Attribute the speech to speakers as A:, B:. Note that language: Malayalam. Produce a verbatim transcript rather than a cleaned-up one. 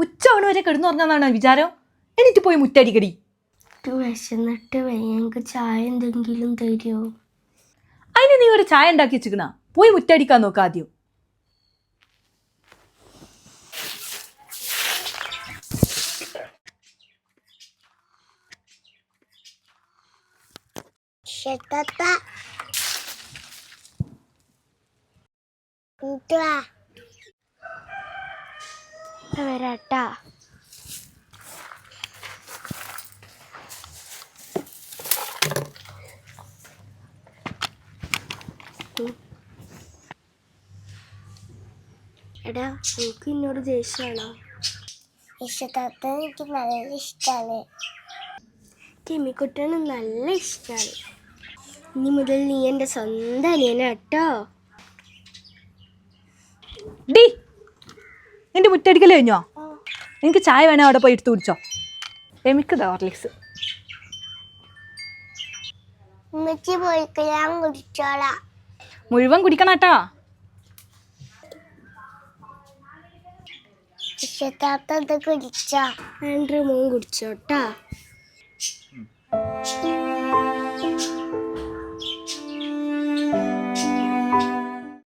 A: ഉച്ച മണി വരെ കിടന്നു പറഞ്ഞാന്നാണ് വിചാരം. എന്നിട്ട് പോയി മുറ്റടിക്കടി.
B: വിശന്നിട്ട് ഞങ്ങൾക്ക് ചായ എന്തെങ്കിലും തരുമോ?
A: അതിന് നീ ഒരു ചായ ഉണ്ടാക്കി വെച്ചിക്കണ, പോയി മുറ്റടിക്കാൻ നോക്ക ആദ്യം.
B: വരാട്ടാ. എടാ, എനിക്ക് എന്നോട് ദേഷ്യമാണോ?
C: ഇഷ്ടത്താത്ത എനിക്ക് നല്ല ഇഷ്ടമാണ്.
B: ടിമ്മിക്കുട്ടന് നല്ല ഇഷ്ടമാണ്. ഇനി മുതൽ നീ എൻ്റെ സ്വന്തം അനിയനാ കേട്ടോ.
A: ഡി, നിന്റെ മുറ്റടിക്കൽ കഴിഞ്ഞോ? എനിക്ക് ചായ വേണേ അവിടെ പോയി എടുത്ത് കുടിച്ചോ. എമിക്കതാ ഹോർലിക്സ്.
C: ഉമ്മച്ചി പോയിക്ക് ഞാൻ കുടിച്ചോളാം.
A: മുഴുവൻ കുടിക്കണാട്ടാ.
C: ഇഷ്ടത്താത്ത ഇത് കുടിച്ചോ?
B: ആൻഡ്രൂ മോൻ കുടിച്ചോട്ടാ.